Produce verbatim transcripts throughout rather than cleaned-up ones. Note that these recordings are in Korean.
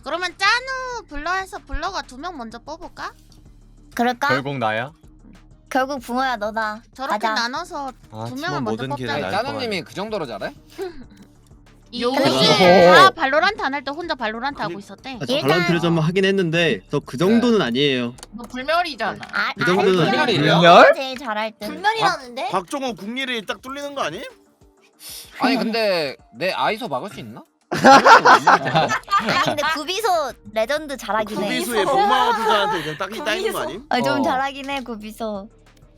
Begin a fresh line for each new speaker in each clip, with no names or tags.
그러면 짠우 블러에서 블러가 두 명 먼저 뽑을까?
그럴까?
결국 나야?
결국 붕어야 너다.
저렇게
가자.
나눠서
아,
두
팀은
명을 먼저
모든 길을
뽑자.
날
짜누님이 그 정도로 잘해?
이
요-
요즘
오.
다 발로란트 안 할 때 혼자 발로란트 하고 있었대.
아, 저
일단-
발란트를 좀 하긴 했는데 저 그 정도는 아니에요.
너 불멸이잖아.
아,
그 정도는
아니야.
불멸이에요?
너가 제일 잘할 듯.
불멸이라는데?
박종호 국리를 딱 뚫리는 거 아니?
아니 근데 내 아이소 막을 수 있나?
아니 근데 구비소 레전드 잘하긴 해.
구비수의 복마와 주자한테 그냥 딱 따이는 거 아니?
아, 좀
어.
잘하긴 해 구비소.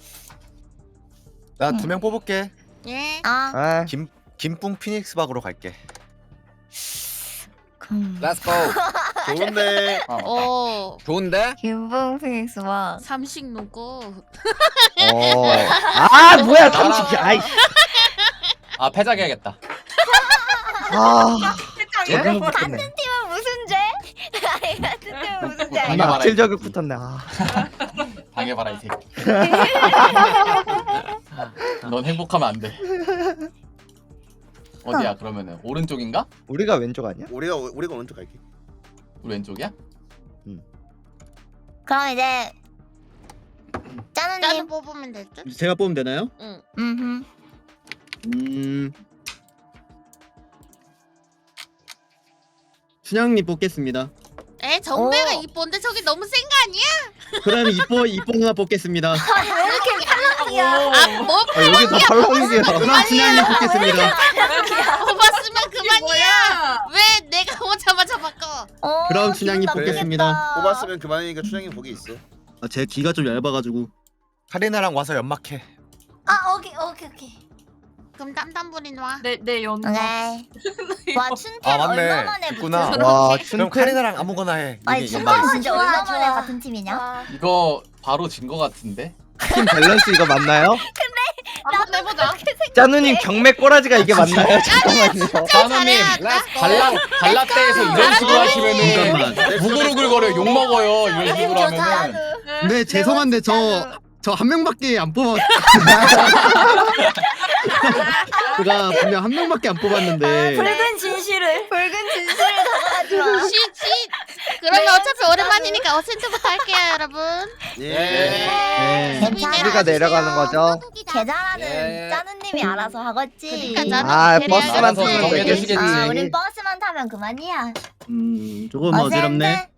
나 두 명 뽑을게.
예.
아,
아,
김 김뿡 피닉스 박으로 갈게.
금.
Let's go.
좋은데
오.
좋은데?
김봉 피닉스 와.
삼식 누구?
어. 아 뭐야 삼식이. 아이.
아 패작해야겠다.
아.
예?
적응
같은
붙었네.
팀은 무슨 죄? 아니 같은 팀은 무슨 죄?
당해봐라,
악질
이
적응 붙었네. 아.
당해봐라 이 새끼. 넌 행복하면 안 돼. 어디야 그러면은 오른쪽인가?
우리가 왼쪽 아니야?
우리가 우리가 먼저 갈게.
우리 왼쪽이야?
그럼 이제
짠우
짜누님.
뽑으면 될 듯?
제가 뽑으면 되나요?
응.
음.
음. 춘향님 뽑겠습니다.
에 정배가
오.
이쁜데 저기 너무 센 거 아니야?
그럼 이뻐 이뻐 누나 뽑겠습니다.
왜 이렇게 탈락이야?
아뭐
아, 여기 다 팔랑이야.
그럼 춘향님 뽑겠습니다.
뽑았으면 그만이야.
뭐야?
왜 내가 오자마자 바꿔?
어,
그럼
기분
춘향님
나쁘겠다.
뽑겠습니다.
뽑았으면 그만이니까 춘향이 거기 있어.
아, 제 귀가 좀 얇아가지고.
카리나랑 와서 연막해.
아 오케이 오케이 오케이.
그럼 땀땀부린 와.
내내 연마.
오케이. 와 춘태
아, 맞네.
얼마 만에
있구나.
붙었어?
와
그럼
춘태.
카리나랑 아무거나 해.
아니
이게
춘태
연막이.
진짜
좋아,
얼마
좋아.
만에 같은 팀이냐?
와.
이거 바로 진 거 같은데?
팀 밸런스 이거 맞나요?
한번 해보자.
짜누님 경매 꼬라지가 이게 맞나요? 잠깐만요.
짜누님
잘해야
발라 발라떼에서 이런 식으로 하시면은
잠깐만.
무그르글거려 욕 먹어요 이런 식으로 하면은.
근데 죄송한데 저 저 한 명밖에 안 뽑았. 제가 분명 한 명밖에 안 뽑았는데.
붉은 진실을.
붉은 진실을 다가가지 마.
시시. 그러면 어차피 오랜만이니까 어센트부터 할게요, 여러분.
예.
네.
괜찮아.
우리가 내려가는 거죠?
계좌라는
예.
짜누님이 알아서 하겠지.
그러니까 나는
아,
캐리할
버스만
거지.
알아서
타면
정해주시겠지.
되겠지.
아, 우린 버스만 타면 그만이야.
음 조금 어지럽네.